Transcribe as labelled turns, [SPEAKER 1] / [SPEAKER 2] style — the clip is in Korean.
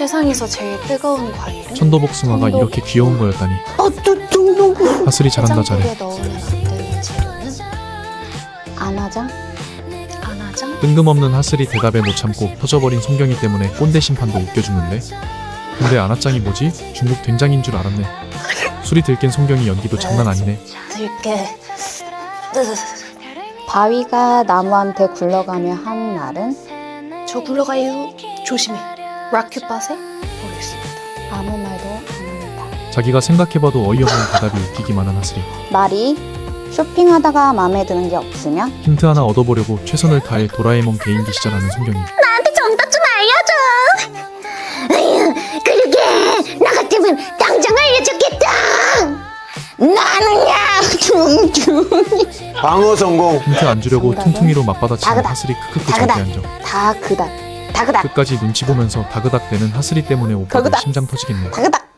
[SPEAKER 1] 세상에서 제일 뜨거운 과일은?
[SPEAKER 2] 천도복숭아가 이렇게 귀여운 거였다니. 하슬이 잘한다 잘해.
[SPEAKER 1] 해장국에 넣으면 안 되는 재료는?
[SPEAKER 3] 안하장?
[SPEAKER 1] 안하장?
[SPEAKER 2] 뜬금없는 하슬이 대답에 못 참고 터져버린 송경이 때문에 꼰대 심판도 웃겨주는데. 근데 안하짱이 뭐지? 중국 된장인 줄 알았네. 술이 들깬 송경이 연기도 장난 아니네.
[SPEAKER 1] 들게.
[SPEAKER 3] 바위가 나무한테 굴러가며 한 말은?
[SPEAKER 1] 저 굴러가요. 조심해. 라큐팟에 보겠습니다.
[SPEAKER 3] 아무 말도 안 합니다.
[SPEAKER 2] 자기가 생각해봐도 어이없는 대답이 웃기기만 한 하슬이.
[SPEAKER 3] 말이 쇼핑하다가 마음에 드는 게 없으면?
[SPEAKER 2] 힌트 하나 얻어보려고 최선을 다해 도라에몽 개인기 시작하는 송경이.
[SPEAKER 4] 나한테 정답 좀 알려줘. 에휴, 그러게 나 같으면 당장 알려줬겠다. 나는야 둥둥이.
[SPEAKER 5] 방어 성공.
[SPEAKER 2] 힌트 안 주려고
[SPEAKER 3] 정답은?
[SPEAKER 2] 퉁퉁이로 맞받아치는
[SPEAKER 3] 다그닥.
[SPEAKER 2] 하슬이 크크크
[SPEAKER 3] 다그닥.
[SPEAKER 2] 절대 안 져.
[SPEAKER 3] 다그닥.
[SPEAKER 2] 끝까지 눈치 보면서 다그닥대는 하슬이 때문에 오빠도
[SPEAKER 3] 다그닥.
[SPEAKER 2] 심장 터지겠네.
[SPEAKER 3] 다그닥.